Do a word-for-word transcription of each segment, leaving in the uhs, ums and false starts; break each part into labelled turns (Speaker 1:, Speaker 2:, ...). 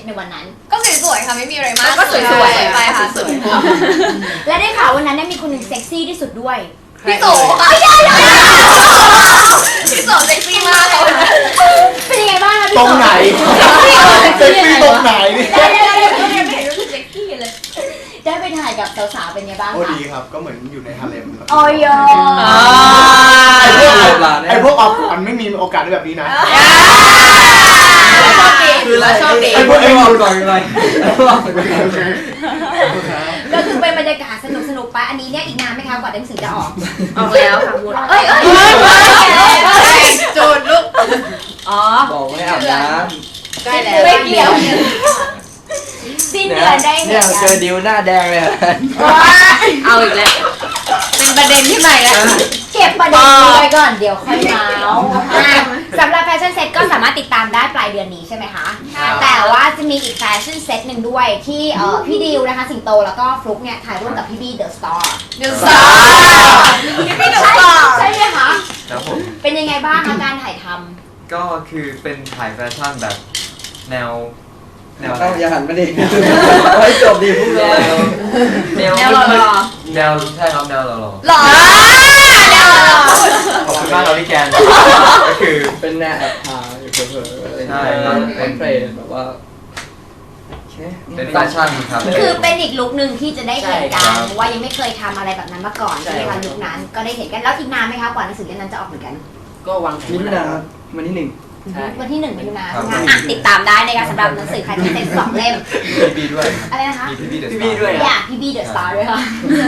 Speaker 1: ในวันนั้น
Speaker 2: ก็สวยๆค่ะไม่มีอะไรมาก
Speaker 3: ก็สวยๆ
Speaker 2: ไปค่ะสวย
Speaker 1: และได้ข่าววันนั้นมีคนหนึ่งเซ็กซี่ที่สุดด้วย
Speaker 2: พี่โสค่ะพี่โสเซ็กซี่มากค่ะ
Speaker 1: เป็นยังไงบ้างคะพี่
Speaker 4: ต
Speaker 1: โส
Speaker 4: รงไหนเซ็กซี่ตรงไหน
Speaker 1: ได้ได้ได้ไม่เห็นรู้สึกเซ็กซี่เลยได้ไปถ่ายกับสาวๆเป็นไงบ้างคะ
Speaker 4: โอ้ดีครับก็เหมือนอยู่ในฮาเลมครับ
Speaker 1: โอ้ย
Speaker 4: ไอพวกออฟมันไม่มีโอกาสได้แบบนี้นะ
Speaker 3: คืออะไรชอบดี
Speaker 4: ไอพวกไอพวก
Speaker 3: ก่อนเลย
Speaker 1: ก็คือเป็นบรรยากาศสนุกสนุกไปอันนี้เนี่ยอีกนานไหมคะกว่าหนังสือจะออก
Speaker 3: ออกแล้วค่ะพูด
Speaker 1: เอ้ย
Speaker 2: จูดลูก
Speaker 3: อ๋อบอกให้อาบน้ำ
Speaker 1: ใกล้แล้วไม่เกี่ยวสิ้นเดือนได้
Speaker 3: เนี่ยเจอดิวหน้าแดงเลย
Speaker 2: เอาอีกแล้วเป็นประเด็นที่ใหม่แล้ว
Speaker 1: เก็บประเด็นนี้ไว้ก่อนเดี๋ยวค่อยเมาสำหรับแฟชั่นเซ็ตก็สามารถติดตามได้ปลายเดือนนี้ใช่ไหมคะแต่ว่าจะมีอีกแฟชั่นเซ็ตหนึ่งด้วยที่พี่ดิวนะคะสิงโตแล้วก็ฟลุ๊กเนี่ยถ่ายร่วมกับพี่บี้เดอะสตาร์
Speaker 2: เดอะสตาร์พี่บี้เดอะสตาร์
Speaker 1: ใช่ไหมคะ
Speaker 5: ครับผม
Speaker 1: เป็นยังไงบ้างคะการถ่ายท
Speaker 5: ำก็คือเป็นถ่ายแฟชั่นแบบแนว
Speaker 3: แนวอย่าหันมาดิไว้จบดีพูดเลย
Speaker 5: แนว
Speaker 2: แนวหล่อ
Speaker 5: แนวใช่ครับแนวหล่อหล่อ
Speaker 2: หล่อ
Speaker 5: ขอบคุณมากเราพี่แกนก็คือ
Speaker 3: เป็นแนวแอบพาอยู่เผลอๆใช่เป็นเฟรนแบบว่า
Speaker 5: เป็นแฟชั่นครับ
Speaker 1: คือเป็นอีกลุคหนึ่งที่จะได้เห็นกันเพราะว่ายังไม่เคยทำอะไรแบบนั้นมาก่อนใช่ไหมคะลุคนั้นก็ได้เห็นกันแล้วอีกนานไหมคะกว่าหนังสือเล่มนั้นจะออกเหมือนกัน
Speaker 3: ก็วางมิถุนาวันที่หนึ่ง
Speaker 1: วันที่หนึ่งมิถุนายนอ่ะติดตามได้นะคะสำหรับหนังสือใครที่เซ็ตสองเล่ม
Speaker 5: พี่บีด้วย
Speaker 1: อะไรนะคะ
Speaker 5: พี่บีเดอะสตาร์
Speaker 3: พี่บีด้วย
Speaker 1: อยากพี่บีเดอะสตาร์ด้วยค่ะ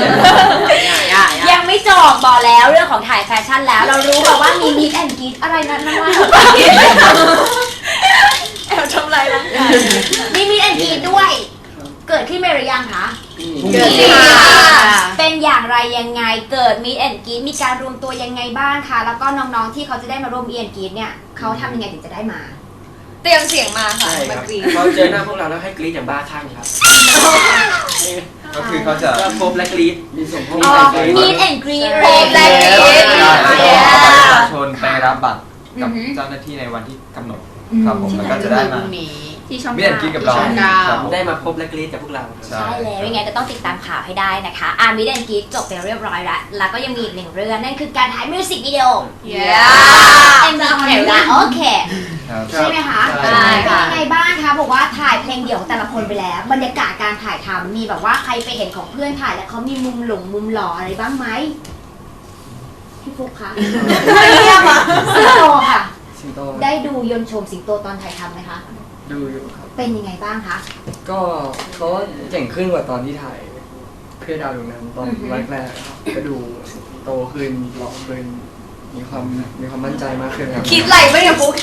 Speaker 1: ยังไม่จบบอกแล้วเรื่องของถ่ายแฟชั่นแล้วเรารู้แบบว่ามีมิดแอนด์กีดอะไรนั้นนั่นว่า
Speaker 2: แอบทำไรร่างกาย
Speaker 1: มีมิดแอนด์กีดด้วยเกิดขึ้นไปหรือยังคะ
Speaker 2: เกิดขึ้น
Speaker 1: เป็นอย่างไรยังไงเกิดมิดแอนด์กีดมีการรวมตัวยังไงบ้างคะแล้วก็น้องๆที่เขาจะได้มาร่วมมิดแอนด์กีดเนี่ยเขาทำยังไงถึงจะได้มา
Speaker 2: เตรียมเสียงมาค่ะ
Speaker 3: มากรีดเขาเจอหน้าพวกเราแล้วให้กรีดอย่างบ้าคลั่งครับ
Speaker 5: ก็คือเขาจะ
Speaker 3: พบและกรีดมีส่งพวก
Speaker 1: มิดแอนด์กีด
Speaker 2: พบและกรีด
Speaker 5: ประชาชนไปรับบัตรกับเจ้าหน้าที่ในวันที่กำหนดครับผมแล้วก็จะได้มา
Speaker 2: ที่ช่อง
Speaker 5: มิดแอนด์กีดกับเรา
Speaker 3: ได้มาพบและกรีดกับพวกเรา
Speaker 1: ใช่แล้วยังไงก็ต้องติดตามข่าวให้ได้นะคะอ่านมิดแอนด์กีดจบไปเรียบร้อยแล้วแล้วก็ยังมีอีกหนึ่งเรื่องนั่นคือการถ่ายมิวสิกวิดีโอเอ็มวีของเราโอเคใช่ไหมคะใช่เป็นยังไงบ้างคะบอกว่าถ่ายเพลงเดี่ยวของแต่ละคนไปแล้วบรรยากาศการถ่ายทำมีแบบว่าใครไปเห็นของเพื่อนถ่ายแล้วเขามีมุมหลงมุมหล่ออะไรบ้างไหมพี่ฟุ๊กคะไม่เรียกอ่ะสิงโตค่ะได้ดูยนต์ชมสิงโตตอนถ่ายทำไหมคะ
Speaker 3: ดูอยู่ครับ
Speaker 1: เป็นยังไงบ้างคะ
Speaker 3: ก็เขาเก่งขึ้นกว่าตอนที่ถ่ายเพื่อดาวดวงนั้นตอนแรกๆก็ดูโตขึ้นหล่อขึ้นมีความมีความมั่นใจมากขึ้นครับ
Speaker 2: คิดไรไม่เนี่ยฟุ๊ก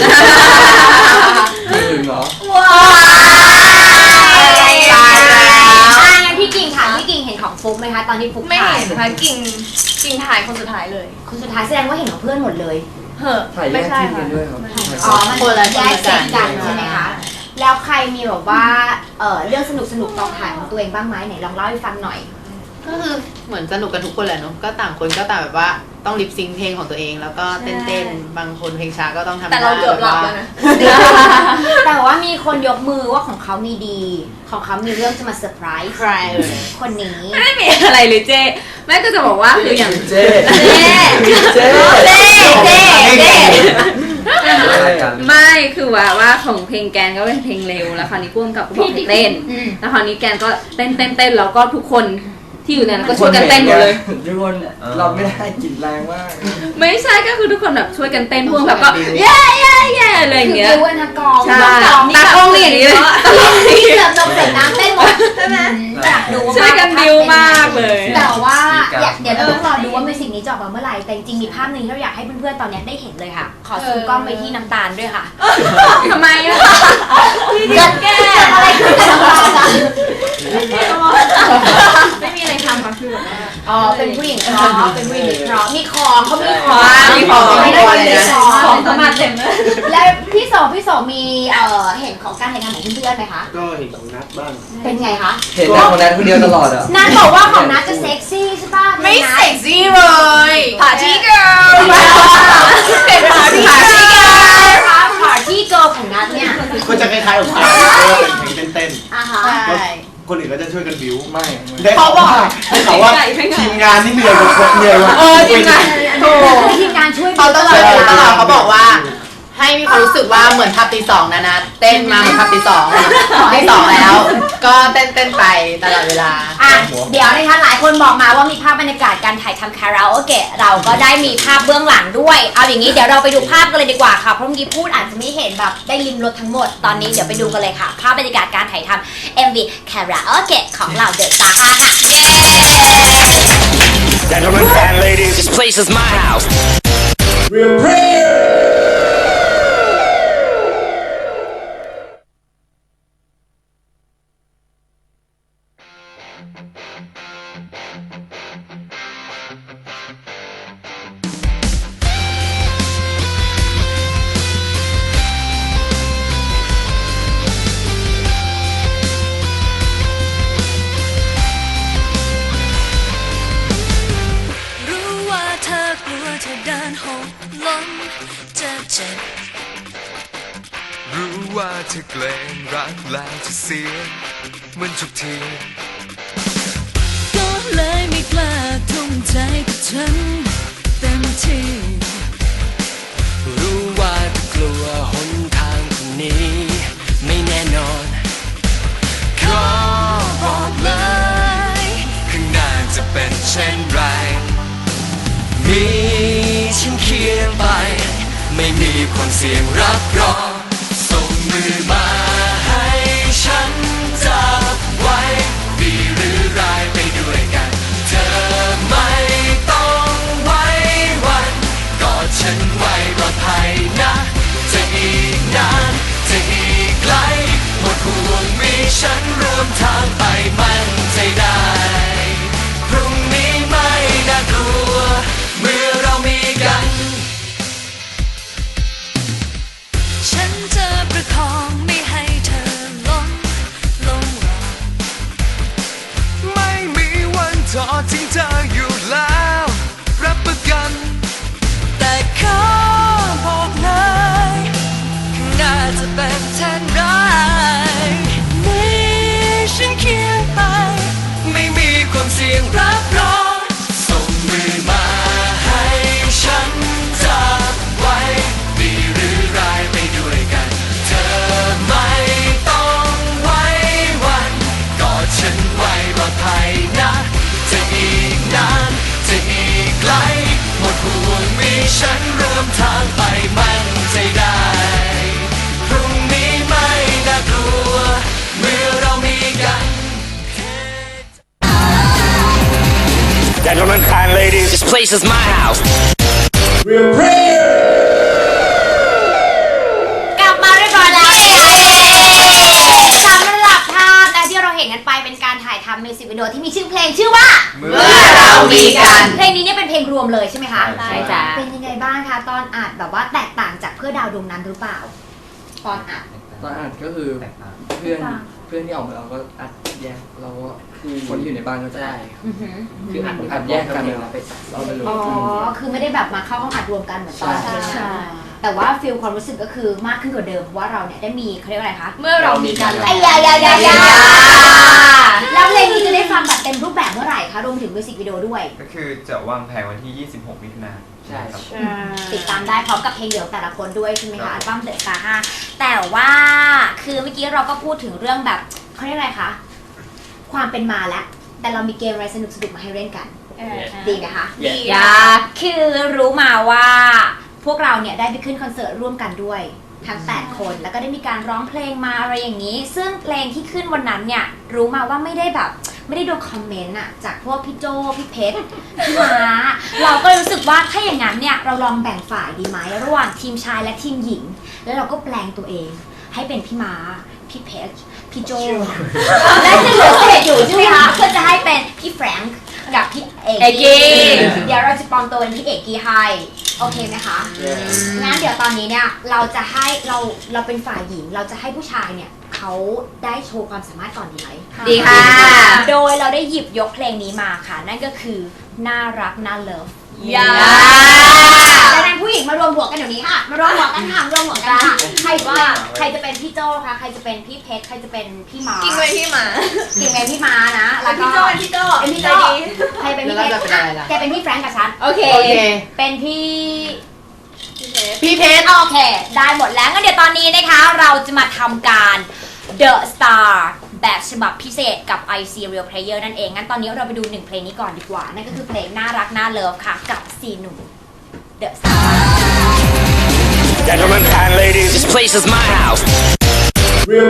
Speaker 3: ถึงเหรอ
Speaker 1: ว้าวตายแล้วงั้นพี่กิ่งค่ะพี่กิ่งเห็นของฟุ๊กไหมคะตอนที่ฟุ๊ก
Speaker 2: ไม่เห็นค่ะกิ่งกิ่งถ่ายคนสุดท้ายเลย
Speaker 1: คนสุดท้ายแสดงว่าเห็นของเพื่อนหมดเลย
Speaker 2: เหอะ
Speaker 3: ถ่ายแยกทีมกันด้วยครับ
Speaker 1: อ๋อมันแยกเซตกันใช่ไหมคะแล้วใครมีแบบว่าเออเรื่องสนุกสนุกตอนถ่ายของตัวเองบ้างไหมไหนลองเล่าให้ฟังหน่อย
Speaker 6: ก็คือเหมือนสนุกกันทุกคนแหละเนาะก็ต่างคนก็ต่างแบบว่าต้องลิปซิงเพลงของตัวเองแล้วก็เต้นๆบางคนเพลงช้าก็ต้องทำ
Speaker 2: แต่เราเกือบหลับแล้วนะ
Speaker 1: แต่ว่ามีคนยกมือว่าของเขามีดีของเขามีเรื่องจะมาเซอร์ไพรส์
Speaker 6: ใครเลย
Speaker 1: คนนี้
Speaker 2: ไม่มีอะไรเลยเจ๊แม่ก็จะบอกว่าคืออย่าง
Speaker 3: เจ๊
Speaker 2: เจ๊
Speaker 3: เจ๊
Speaker 2: เจ๊เจ๊เจ๊
Speaker 7: ไม่คือว่าว่าของเพลงแกนก็เป็นเพลงเร็วแล้วคราวนี้พ่วงกับก็บอกให้เต้นแล้วคราวนี้แกนก็เต้นเต้นเต้นแล้วก็ทุกคนที่อยู่ในนั้นก็ช่วยกันเต้นหมดเลย
Speaker 3: ทุกคนเราไม่ได้กินแรงมาก
Speaker 7: ไม่ใช่ก็คือทุกคนแบบช่วยกันเต้นพ่วงแบบก็เย้เย้เย้อะไรอย่างเงี้ย
Speaker 1: คือวันกอง
Speaker 7: ใช่ตากล้องนี่อย่างนี้เลย
Speaker 1: ที่เกือบลงเสร็จน้ำเต้นหมดใช่ไหมอยากดู
Speaker 7: ช่วยกันดิวมากเลย
Speaker 1: แต่ว่าเดี๋ยวเราต้องรอดูว่ามิวสิกนี้จะออกมาเมื่อไหร่แต่จริงๆมีภาพหนึ่งที่เราอยากให้เพื่อนๆตอนนี้ได้เห็นเลยค่ะขอซูมกล้องไปที่น้ำตาลด้วยค่ะ
Speaker 7: ทำไมอ่ะ
Speaker 1: เกิดแก้อะไรขึ้นกับน้ำตาลอ่ะ
Speaker 2: ไม่มีอะไรทำค่ะคือแบบว่า
Speaker 1: อ๋อเป็นผู้หญิงเพราะเป็นผู้หญิงเพราะมีของเขามีของ
Speaker 2: มีของ
Speaker 1: ไม่ได้เลย
Speaker 2: ของเขามาเต็มเลย
Speaker 1: แล้วพี่สองพี่สองมีเอ่อเห็นของการถ่ายทำของเพื่อนๆไหมคะ
Speaker 4: ก็เห็นของนัทบ้าง
Speaker 1: เป็นไงคะ
Speaker 3: เห็นแต่ของนัทคนเดียวตลอดอ่ะ
Speaker 1: นัทบอกว่าของนัทจะเซ็กซี่ใช่ป่ะ
Speaker 2: ไม่เซ็กซี่เลยปาร์ตี้เกิร์ลเป็นปาร์ตี้เกิร์ล
Speaker 1: Party Girl ของนัทเนี่ย
Speaker 4: ก็จะคล้ายๆกับเพลงเป็นเพลงเต้น
Speaker 1: อ่ะฮะ
Speaker 6: ใช่
Speaker 4: ๆคนอื่นก็จะช่วยกันบิว
Speaker 3: ไม่
Speaker 4: ได้เขาบอกได้ข่าวว่าทีมงานนี่เหนื่อยกว่าคนเหนื่อยกว่า
Speaker 6: เออจริงไงถูก
Speaker 1: ทีมงานช่วย
Speaker 6: เขาตลอดตลอดเขาบอกว่า ให้มีความรู้สึกว่าเหมือนพับตีสองนะนะเต้นมาเหมือนพับตีสองตีสองแล้ว ก็เต้นเต้นไปตลอดเวลา
Speaker 1: อ่ะเดี๋ยวนะคะหลายคนบอกมาว่ามีภาพบรรยากาศการถ่ายทำคาราโอเกะเราก็ได้มีภาพเบื้องหลังด้วยเอาอย่างนี้เดี๋ยวเราไปดูภาพกันเลยดีกว่าค่ะเพราะเมื่อกี้พูดอาจจะไม่เห็นแบบได้ริมรถทั้งหมดตอนนี้เดี๋ยวไปดูกันเลยค่ะ ภาพบรรยากาศการถ่ายทำ เอ็ม วี คาราโอเกะของเราเดอะสตาร์ห้าค่ะ
Speaker 8: Gentlemen and ladies, this place is my house.
Speaker 9: รู้ว่าเธอเกรงรักแล้วจะเสียเหมือนทุกทีก็เลยไม่กล้าทุ่มใจกับฉันเต็มที่รู้ว่าเธอกลัวหนทางคนนี้ไม่แน่นอนขอบอกเลยข้างหน้าจะเป็นเช่นไรมีฉันเคียงไปไม่มีความเสี่ยงรับรองส่งมือมาให้ฉันจับไว้ดีหรือร้ายไปด้วยกันเธอไม่ต้องไว้วันกอดฉันไว้ปลอดภัยนะจะอีกนานจะอีกไกลหมดห่วงมีฉันร่วมทางไปมั่นใจได้พรุ่งนี้ไม่น่ากลัวเมื่อเรามีกันฉันจะประคองไม่ให้เธอล้มลงรอไม่มีวันทอดทิ้งเธออยู่แล้วรับประกันแต่ขอบอกเลยข้างหน้าจะเป็นเช่นไรมีฉันเคียงไปไม่มีความเสี่ยงรับรองส่งมือมาให้ฉันจับไว้ดีหรือร้ายไปด้วยกันเธอไม่ต้องไว้วันกอดฉันไว้ปลอดภัยนะจะอีกนานจะอีกไกลหมดห่วงมีฉันร่วมทางไปมั่นใจได้พรุ่งนี้ไม่น่ากลัวเมื่อเรามีกัน
Speaker 8: Gentlemen and ladies, this place is my house.
Speaker 1: กลับมาเรียบร้อยแล้วนะคะสำหรับภาพนะที่เราเห็นกันไปเป็นการถ่ายทำมิวสิกวิดีโอที่มีชื่อเพลงชื่อว่า
Speaker 6: เมื่อเรามีกัน
Speaker 1: เพลงนี้เนี่ยเป็นเพลงรวมเลยใช่ไหมคะ
Speaker 5: ใช่จ้ะ
Speaker 1: เป็นยังไงบ้างคะตอนอัดแบบว่าแตกต่างจากเพื่อดาวดวงนั้นหรือเปล่าตอนอัด
Speaker 3: ตอนอัดก็คือ
Speaker 5: แตกต่าง
Speaker 3: เพื่อนเพื่อนที่ออกมาเราก็อัดแยกเราก็คนที่อยู่ในบ้านก็จะได้
Speaker 1: อือหือ
Speaker 3: คืออัดอัดแยกกันเราไปเราไปลง
Speaker 1: อ๋อคือไม่ได้แบบมาเข้าห้องอัดรวมกันเหมือนตอน
Speaker 3: ใช่
Speaker 1: ใช่แต่ว่าฟีลความรู้สึกก็คือมากขึ้นกว่าเดิมเพราะว่าเราเนี่ยได้มีเขาเรียกว่าอะไรคะ
Speaker 2: เมื่อเรามีกัน
Speaker 1: ไอ้ยายายายาแล้วเพลงนี้จะได้ฟังแบบเต็มรูปแบบเมื่อไหร่คะรวมถึงมิวสิกวิดีโอด้วย
Speaker 5: ก็คือจะวางแผนวันที่ ยี่สิบหก มิถุนายน
Speaker 3: ใช่
Speaker 5: ครับ
Speaker 1: ติดตามได้พร้อมกับเพลงเดี่ยวแต่ละคนด้วยใช่ไหมคะอัลบั้มเดอะสตาร์ห้าแต่ว่าคือเมื่อกี้เราก็พูดถึงเรื่องแบบเขาเรียกอะไรคะความเป็นมาแล้วแต่เรามีเกมอะไรสนุกสนุกๆมาให้เล่นกันดีไหมคะ
Speaker 3: ดี
Speaker 1: อยาคือรู้มาว่าพวกเราเนี่ยได้ไปขึ้นคอนเสิร์ตร่วมกันด้วยทั้งแปดคนแล้วก็ได้มีการร้องเพลงมาอะไรอย่างนี้ ซึ่งเพลงที่ขึ้นวันนั้นเนี่ยรู้มาว่าไม่ได้แบบไม่ได้โดนคอมเมนต์อะจากพวกพี่โจพี่เพชรพี่ม้าเราก็รู้สึกว่าถ้าอย่างนั้นเนี่ยเราลองแบ่งฝ่ายดีไหมระหว่างทีมชายและทีมหญิง แล้วเราก็แปลงตัวเองให้เป็นพี่ม้าพี่เพชรพี่โจและจะเหลือเศษอยู่ใช่ไหมคะเพื่อจะให้เป็นพี่แฟรงค์กับพี่เอก
Speaker 2: เอกกี้
Speaker 1: เดี๋ยวเราจะปลอมตัวเป็นพี่เอกกี้ให้โอเคไหมคะงั้นเดี๋ยวตอนนี้เนี่ยเราจะให้เราเราเป็นฝ่ายหญิงเราจะให้ผู้ชายเนี่ยเขาได้โชว์ความสามารถก่อนดีไหม
Speaker 2: ดีค่ะ
Speaker 1: โดยเราได้หยิบยกเพลงนี้มาค่ะ นั่นก็คือน่ารักน่าเลิฟ
Speaker 2: อย่า
Speaker 1: ดังนั้นผู้หญิงมารวมหัวกันเดี๋ยวนี้ค่ะ มารวมหัวกันค่ะมารวมหัวกันค่ะใครว่าใครจะเป็นพี่โจ้คะใครจะเป็นพี่เพชรใครจะเป็นพี่มา
Speaker 2: กินไว้ที่หมา
Speaker 1: กิ่งเป็นพี่มานะแล้วก็
Speaker 2: พี่โจ้เป็นพี่โจ้
Speaker 1: เป็นพี่โจ้ใครเป็นพี่เพชร
Speaker 6: แล้วเราจะเป็นอะไรล่ะ
Speaker 1: แกเป็นพี่แฟรงก์กับฉัน
Speaker 7: โอเค
Speaker 6: โอเค
Speaker 1: เป็นพี่
Speaker 6: พี่เพชร
Speaker 1: โอเค ได้หมดแล้วงั้นเดี๋ยวตอนนี้นะคะ เราจะมาทำการ The Star แบบฉบับพิเศษกับ ไอ ซี Real Player นั่นเอง งั้นตอนนี้เราไปดูหนึ่งเพลงนี้ก่อนดีกว่า นั่นก็คือเพลงน่ารักน่าเลิฟค่ะ กับซีหนุ่ม The Star
Speaker 8: Gentlemen and ladies, this place is my house.